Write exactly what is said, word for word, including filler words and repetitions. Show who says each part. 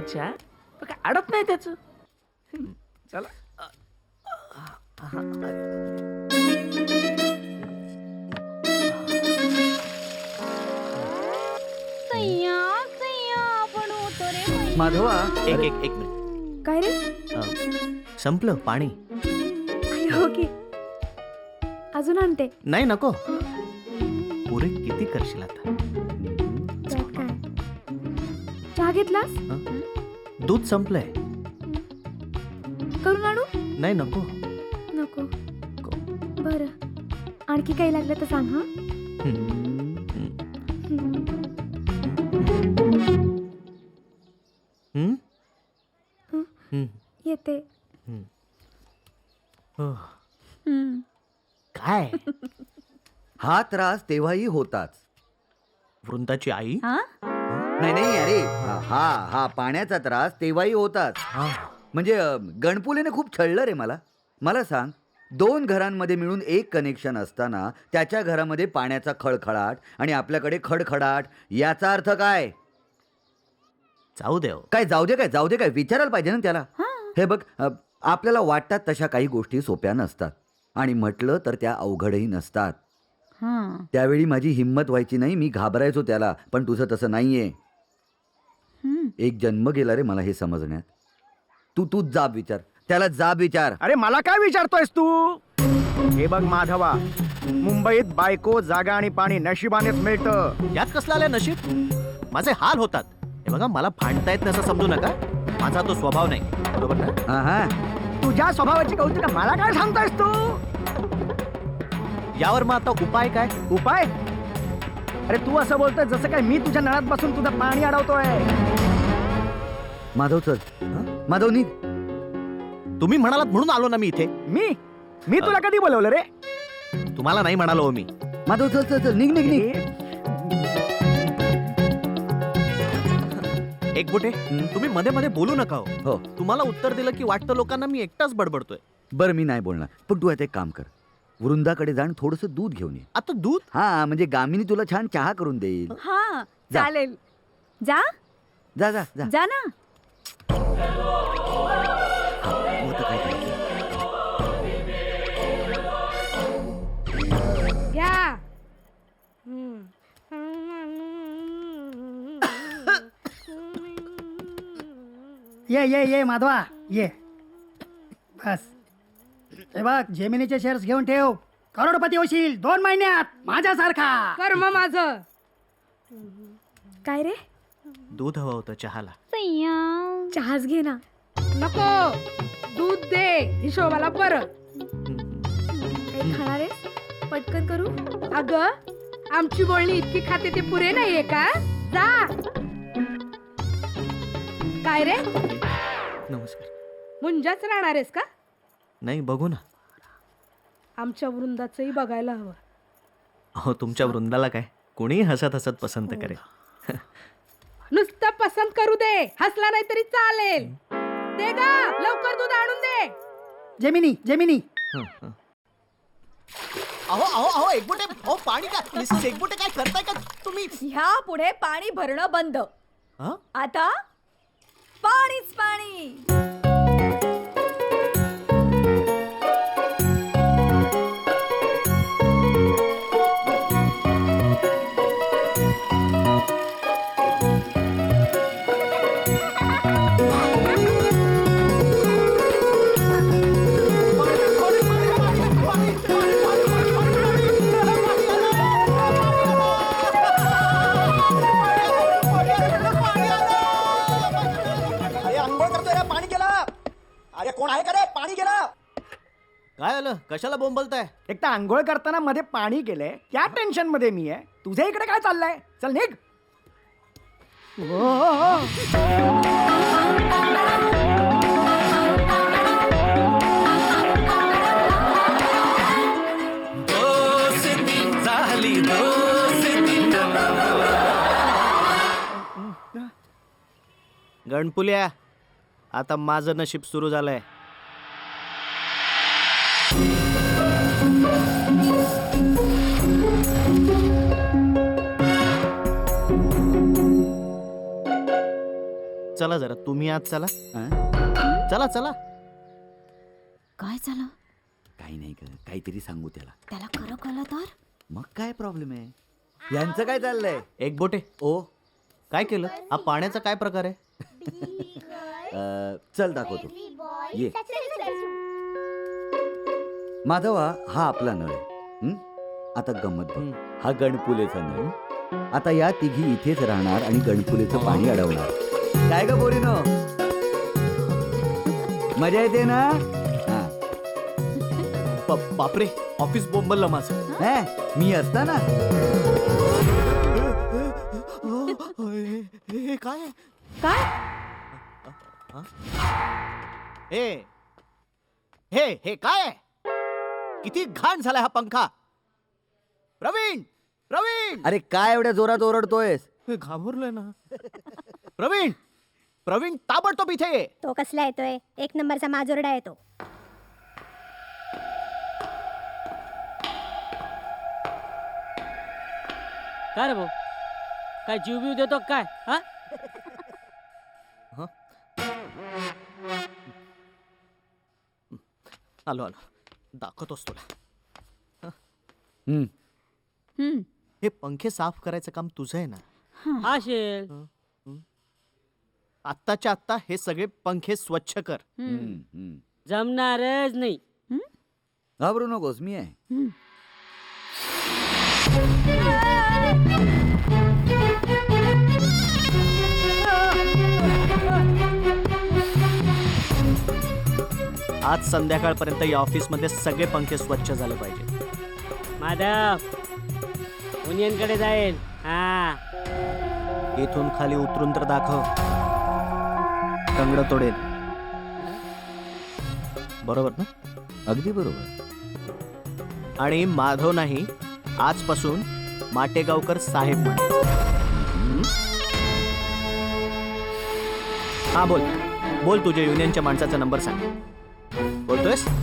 Speaker 1: त्याच्या पण काय अडत नाही त्याच. चला
Speaker 2: सैया सैया आपण होतो रे
Speaker 3: माधवा
Speaker 4: एक एक एक मिनिट.
Speaker 2: काय रे
Speaker 4: अं, संपलं पाणी.
Speaker 2: ओके अजून आणते.
Speaker 4: नाही नको. पुरे किती करशील आता.
Speaker 2: त्यात काय चहा घेतलास
Speaker 4: हं? दूध संपलंय.
Speaker 2: करून आणू.
Speaker 4: नाही नको.
Speaker 2: नको बर आणखी काही लागलं तर सांग. हा
Speaker 4: हं. हं?
Speaker 2: हं.
Speaker 4: हं.
Speaker 2: येते.
Speaker 4: हं. हो.
Speaker 2: हम्म.
Speaker 4: काय
Speaker 3: हा त्रास तेव्हाही होताच.
Speaker 4: वृंदाची आई.
Speaker 2: हा
Speaker 3: नाही नाही अरे हा हा हा पाण्याचा त्रास तेव्हाही होताच.
Speaker 4: हा.
Speaker 3: म्हणजे अ, गणपुलेने खूप छळलं रे मला. मला सांग, दोन घरांमध्ये मिळून एक कनेक्शन असताना त्याच्या घरामध्ये पाण्याचा खळखळाट आणि आपल्याकडे खडखडाट, याचा अर्थ काय?
Speaker 4: जाऊ देव.
Speaker 3: काय जाऊ दे काय जाऊ दे काय विचारायला पाहिजे ना त्याला.
Speaker 2: हा
Speaker 3: हे बघ, अ, आपल्याला वाटतात तशा काही गोष्टी सोप्या नसतात आणि म्हटलं तर त्या अवघडही नसतात.
Speaker 2: हा
Speaker 3: त्यावेळी माझी हिंमत व्हायची नाही, मी घाबरायचो त्याला. पण तुझं तसं नाहीये.
Speaker 2: हम्म.
Speaker 3: एक जन्म गेला रे मला हे समजण्यात. तू तूच जाब विचार त्याला, जाब विचार.
Speaker 1: अरे मला काय विचारतोयस तू. हे बघ माधवा, मुंबईत बायको जागा आणि पाणी नशिबानेच मिळतं.
Speaker 4: यात कसलं आलं नशीब. माझे हाल होतात. हे बघा, मला भांडता येत नसं समजू नका. माझा तो स्वभाव नाही. बरोबर ना.
Speaker 3: हा हा
Speaker 1: तुझ्या स्वभावाची कौतुक मला काय सांगतोयस तू.
Speaker 4: यावर मग आता उपाय काय.
Speaker 1: उपाय. अरे तू असं बोलतोय जसं काय मी तुझ्या नळात बसून तुझं पाणी अडवतोय.
Speaker 3: माधव चल. माधव निघ.
Speaker 4: तुम्ही म्हणालात म्हणून आलो ना मी इथे.
Speaker 1: मी मी तुला कधी बोलवलं रे.
Speaker 4: तुम्हाला नाही म्हणालो हो मी.
Speaker 3: माधव चल चल चल निघ निघ निघ.
Speaker 4: एक बोटे, तुम्ही मध्ये मध्ये बोलू नका हो.
Speaker 3: हो
Speaker 4: तुम्हाला उत्तर दिलं की वाटतं लोकांना मी एकटाच बडबडतोय.
Speaker 3: बरं मी नाही बोलणार, पण तू आता एक काम कर, वृंदाकडे जाण थोडस दूध घेऊन ये.
Speaker 4: आता दूध.
Speaker 3: हा म्हणजे गामिनी तुला छान चहा करून देईल.
Speaker 2: हा
Speaker 3: जा.
Speaker 2: चालेल. जा
Speaker 3: जा जा जा.
Speaker 2: जा ना.
Speaker 3: हा, तू आता काय करायचं?
Speaker 5: घ्या.
Speaker 6: ये ये ये माधवा ये. बस हे बघ, जेमिनीचे शेअर्स घेऊन ठेव. करोडपती होशील दोन महिन्यात माझ्यासारखा.
Speaker 5: कर्म माझं.
Speaker 2: काय रे
Speaker 4: दूध हवं होतं चहाला.
Speaker 2: सैया चहाच घे ना.
Speaker 5: नको, दूध दे हिशोबाला परत.
Speaker 2: काही खाणार आहेस. पटकन करू.
Speaker 5: अगं आमची बोलणी इतकी खाते ते पुरे नाहीये का. जा. काय रे,
Speaker 4: नमस्कार.
Speaker 5: मुंजाच राहणार आहेस का.
Speaker 4: नाही, बघू ना.
Speaker 5: आमच्या वृंदाचंही बघायला हवं.
Speaker 4: हो, तुमच्या वृंदाला काय कोणी हसत हसत पसंत करेल.
Speaker 5: नुसतं पसंत करू दे, हसला नाही तरी चालेल. दे गा लवकर दूध आणून दे.
Speaker 6: जेमिनी जेमिनी
Speaker 4: हं, हं. अहो अहो अहो एकबोटे, अहो पाणी काय. मिसेस एकबोटे, काय करताय का तुम्ही.
Speaker 7: ह्या पुढे पाणी भरणं बंद.
Speaker 4: हं?
Speaker 7: आता पाणीच पाणी.
Speaker 4: काय आलं, कशाला बोंबलताय.
Speaker 1: एक तर आंघोळ करताना मध्ये पाणी गेलंय, त्या टेन्शन मध्ये मी आहे. तुझ्या इकडे काय चाललंय. चल निघ. ओ, ओ, ओ.
Speaker 4: गणपुल्या, आता माझं नशीब सुरू झालंय. चला जरा तुम्ही आज चला
Speaker 3: हं?
Speaker 4: चला चला
Speaker 2: काय झालं
Speaker 3: काही नाही ग काहीतरी सांगू त्याला
Speaker 2: त्याला खरं कळलं तर
Speaker 3: मग काय प्रॉब्लेम आहे यांचं काय चाललंय
Speaker 4: एक बोटे
Speaker 3: ओ
Speaker 4: काय केलं हा पाण्याचा काय प्रकार आहे
Speaker 3: अ, चल दाखवतो ये माधवा हा आपला नळ आहे हं? आता गंमत बघ.
Speaker 4: हं.
Speaker 3: हा गणपुलेचा नळ आता या तिघी इथेच राहणार आणि गणपुलेचं पाणी अडवणार काय ग बोरीनो मजा येते ना हा.
Speaker 4: ब- बापरे ऑफिस बोंबललं माझं
Speaker 3: हे, मी असताना
Speaker 4: हे काय
Speaker 5: काय
Speaker 4: हे हे हे काय आहे? किती घाण झालाय हा पंखा प्रवीण प्रवीण
Speaker 3: अरे काय एवढ्या जोरात ओरडतोयस
Speaker 4: हे घाबरलोय ना प्रवीण प्रवीण ताबडतोब इथे ये.
Speaker 8: तो कसला येतोय एक नंबरचा माजोरडा येतो.
Speaker 9: काय रे भाऊ काय जीव बीव देतो का काय हा
Speaker 4: आलो आलो दाखवतोस तुला
Speaker 3: हं.
Speaker 2: हम्म
Speaker 4: हे पंखे साफ करायचं काम तुझं आहे ना
Speaker 9: असेल
Speaker 4: आत्ताच्या आत्ता हे सगळे पंखे स्वच्छ कर
Speaker 3: हं, हं.
Speaker 9: जमणारच नाही
Speaker 3: घाबरू नकोस मी आहे
Speaker 4: आज संध्याकाळपर्यंत या ऑफिस मध्ये सगळे पंखे स्वच्छ झाले पाहिजे.
Speaker 9: माधव कडे जाईल हा
Speaker 4: इथून खाली उतरून तर दाखव कंगड तोडेल बरोबर ना.
Speaker 3: अगदी बरोबर
Speaker 4: आणि माधव नाही आजपासून माटेगावकर साहेब म्हणायचं. हं? हा बोल बोल तुझ्या युनियनच्या माणसाचा नंबर सांग. बोलतोयस